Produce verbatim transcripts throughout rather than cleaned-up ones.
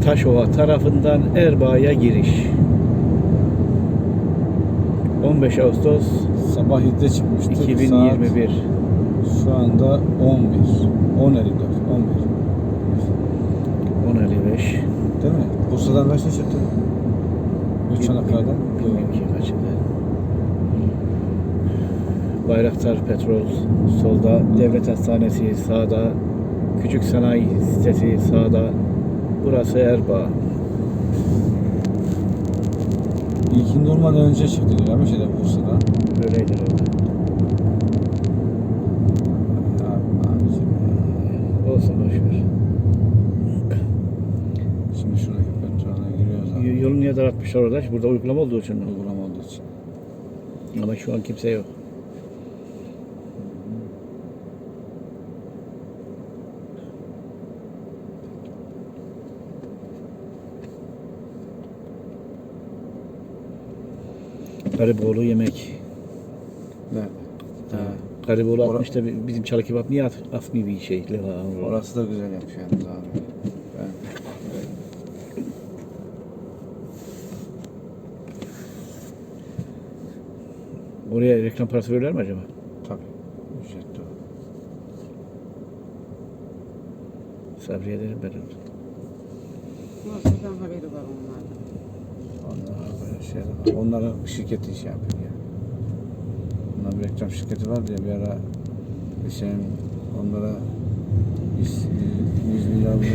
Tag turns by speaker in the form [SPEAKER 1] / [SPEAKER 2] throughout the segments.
[SPEAKER 1] Taşova tarafından Erbaa'ya giriş. on beş Ağustos
[SPEAKER 2] Sabah yedide çıkmıştık.
[SPEAKER 1] iki bin yirmi bir.
[SPEAKER 2] Saat şu anda on bir. on elli dört. on bir.
[SPEAKER 1] on elli beş.
[SPEAKER 2] Değil mi? Bursa'dan kaçta çıktın? Çanakkale'den.
[SPEAKER 1] Bilmiyorum ki kaçında. Bayraktar Petrol solda, Devlet Hastanesi sağda, Küçük Sanayi Sitesi sağda. Burası Erbaa.
[SPEAKER 2] İlkin durmadan önce çıktık ya bir şeyde Bursa'da.
[SPEAKER 1] Öyleydi öyle.
[SPEAKER 2] Abi, abicim ya.
[SPEAKER 1] Olsun boşver.
[SPEAKER 2] Şimdi şuradaki petrole giriyoruz abi.
[SPEAKER 1] Y- Yolu niye daraltmışlar orada? Burada uygulama olduğu için.
[SPEAKER 2] Uygulama olduğu için.
[SPEAKER 1] Ama şu an kimse yok. Gariboğlu yemek.
[SPEAKER 2] Nerede?
[SPEAKER 1] Ha. Gariboğlu
[SPEAKER 2] Ora-
[SPEAKER 1] atmış da bi- bizim çalı kebap niye at, atmıyor bir şey? Leva.
[SPEAKER 2] Orası da güzel yapmış yalnız abi. Ben...
[SPEAKER 1] Oraya reklam parası verirler mi acaba?
[SPEAKER 2] Tabii. Ücretli o.
[SPEAKER 1] Sabri ederim ben onu.
[SPEAKER 3] Nasıldan haberi var onlardan.
[SPEAKER 2] Onlar böyle şeyler var. Onların şirketi iş yapıyor ya. Onların bir reklam şirketi var diye bir ara bir şeyin onlara yüz milyar mı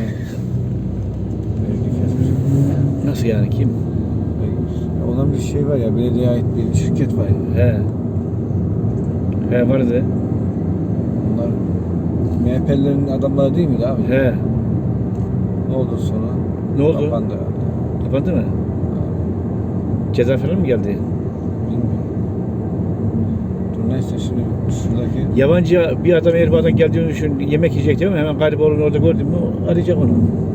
[SPEAKER 2] vergi kesmiş.
[SPEAKER 1] Nasıl yani kim?
[SPEAKER 2] Olan bir şey var ya, belediyeye ait bir şirket var ya.
[SPEAKER 1] He. He vardı.
[SPEAKER 2] Onlar M H P'lilerin adamları değil miydi abi?
[SPEAKER 1] He.
[SPEAKER 2] Ne oldu sonra?
[SPEAKER 1] Ne oldu?
[SPEAKER 2] Kapandı herhalde.
[SPEAKER 1] Kapandı mı? Ceza falan mı geldi?
[SPEAKER 2] Bilmiyorum. Dur neyse şimdi şuradaki
[SPEAKER 1] Yabancı bir adam Erbaa'dan geldiğini düşün, yemek yiyecek değil mi? Hemen Gariboğlu'nu orada gördün mü arayacak onu.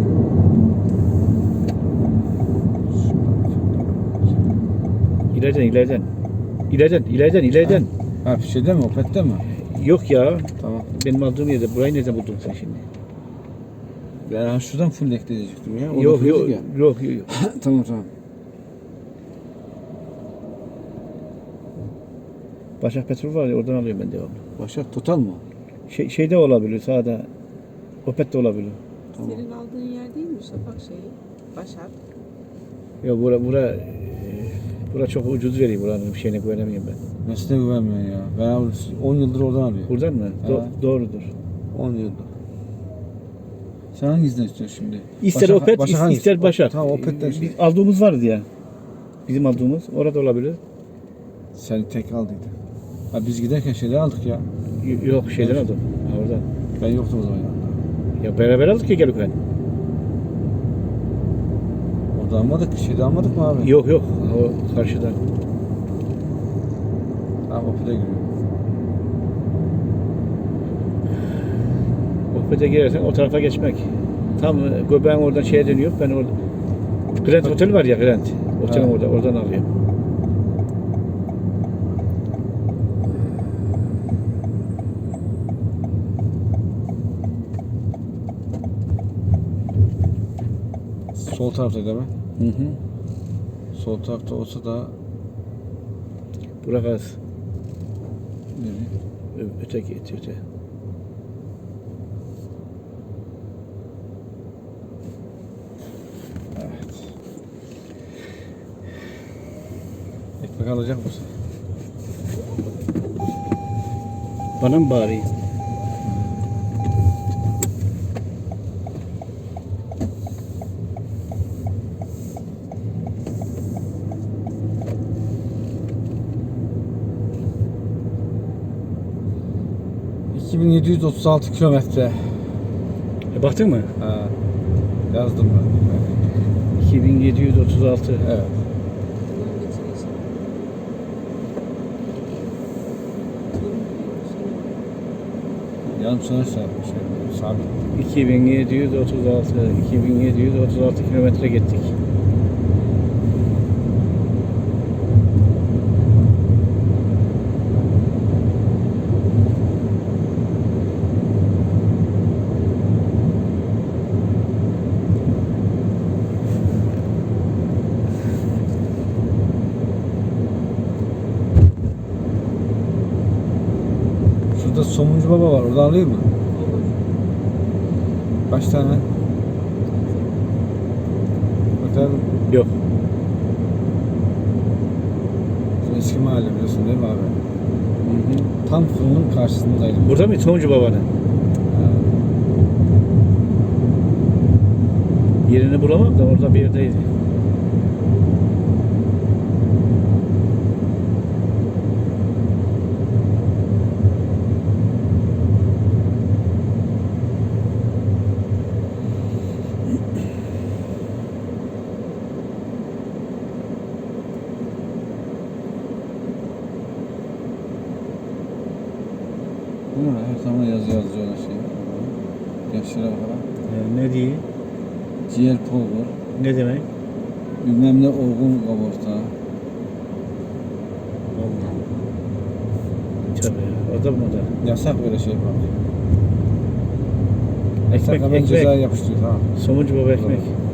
[SPEAKER 1] İleriden, ileriden. İleriden, ileriden, ileriden.
[SPEAKER 2] ha şeyde mi? Opet'te mi?
[SPEAKER 1] Yok ya.
[SPEAKER 2] Tamam.
[SPEAKER 1] Benim aldığım yerde. Burayı nereden buldun sen şimdi?
[SPEAKER 2] Ben ha şuradan full ekleyecektim ya. Orada
[SPEAKER 1] Yok,
[SPEAKER 2] full
[SPEAKER 1] yok,
[SPEAKER 2] değil ya.
[SPEAKER 1] yok, yok, yok.
[SPEAKER 2] Tamam tamam.
[SPEAKER 1] Başak Petrol var ya, oradan alıyorum ben devamlı.
[SPEAKER 2] Başak Total mı?
[SPEAKER 1] Şey, şeyde olabilir, sağda. Opet de olabilir.
[SPEAKER 2] Tamam.
[SPEAKER 3] Senin aldığın yer değil mi Şafak şeyi? Başak.
[SPEAKER 1] Yok bura, bura, e, bura çok ucuz veriyor, buranın bir şeyine güvenemiyorum ben.
[SPEAKER 2] Nesline güvenmiyorsun ya. Ben on yıldır oradan alıyorum.
[SPEAKER 1] Buradan mı? Do-
[SPEAKER 2] Ha.
[SPEAKER 1] doğrudur.
[SPEAKER 2] on yıldır. Sen hangisinden istiyorsun şimdi?
[SPEAKER 1] İster
[SPEAKER 2] Başak-
[SPEAKER 1] Opet,
[SPEAKER 2] Başak
[SPEAKER 1] is-
[SPEAKER 2] hangisi?
[SPEAKER 1] ister Başak.
[SPEAKER 2] Tamam Opet'ten
[SPEAKER 1] Biz
[SPEAKER 2] şey.
[SPEAKER 1] aldığımız vardı ya. Bizim aldığımız, orada olabilir.
[SPEAKER 2] Sen tek aldıydın. Ha biz giderken şeyler aldık ya.
[SPEAKER 1] Y- Yok şeyden
[SPEAKER 2] Evet.
[SPEAKER 1] aldım. Ha, oradan.
[SPEAKER 2] Ben yoktum o zaman yanında.
[SPEAKER 1] Ya beraber aldık ya gelirken.
[SPEAKER 2] Orada almadık, şeyde almadık mı abi?
[SPEAKER 1] Yok yok, o karşıdan.
[SPEAKER 2] Ha Opet'e giriyor.
[SPEAKER 1] Opet'e girersen o tarafa geçmek. Tam e, göbeğin oradan şeye dönüyor. Ben orada. Grand Otel var ya, Grand. Otelin
[SPEAKER 2] Ha.
[SPEAKER 1] orada, oradan alıyorum.
[SPEAKER 2] Sol tarafta değil mi?
[SPEAKER 1] Hı hı.
[SPEAKER 2] Sol tarafta olsa da
[SPEAKER 1] Burak az.
[SPEAKER 2] nereye?
[SPEAKER 1] Ö- Öteki, öte, öte.
[SPEAKER 2] Evet. Ekmek alacak mısın?
[SPEAKER 1] Bana mı bağırayım?
[SPEAKER 2] iki bin yedi yüz otuz altı kilometre.
[SPEAKER 1] E, baktın mı?
[SPEAKER 2] Ha. Yazdım ben.
[SPEAKER 1] iki bin yedi yüz otuz altı.
[SPEAKER 2] Evet.
[SPEAKER 3] Bunun bitirişi.
[SPEAKER 2] Yarım sana şey yapmış. Şey, sabit.
[SPEAKER 1] iki bin yedi yüz otuz altı. iki bin yedi yüz otuz altı kilometre gittik.
[SPEAKER 2] Somuncu Baba var. Orada alayım mı?
[SPEAKER 3] Olur.
[SPEAKER 2] Kaç tane? Otel
[SPEAKER 1] Yok.
[SPEAKER 2] eski mahalle biliyorsun değil mi abi?
[SPEAKER 1] Hı hı.
[SPEAKER 2] Tam fırının karşısındaydım.
[SPEAKER 1] Burada mı? Sonucu babanın.
[SPEAKER 2] Ha.
[SPEAKER 1] Yerini bulamam da orada bir yerdeydi.
[SPEAKER 2] Bu ne? Her zaman yazı yazıyorlar şey. Gençlere bakalım.
[SPEAKER 1] Ee, ne diye?
[SPEAKER 2] Ciğer polgur.
[SPEAKER 1] Ne demek?
[SPEAKER 2] Bilmem ne olgun kaburta.
[SPEAKER 1] Allah. Tabii ya. Orada mı da?
[SPEAKER 2] Yasak böyle şey yapmak.
[SPEAKER 1] Ekmek,
[SPEAKER 2] Yasak hemen
[SPEAKER 1] ekmek.
[SPEAKER 2] ceza yapıştırıyor tamam.
[SPEAKER 1] Somuncu baba ekmek.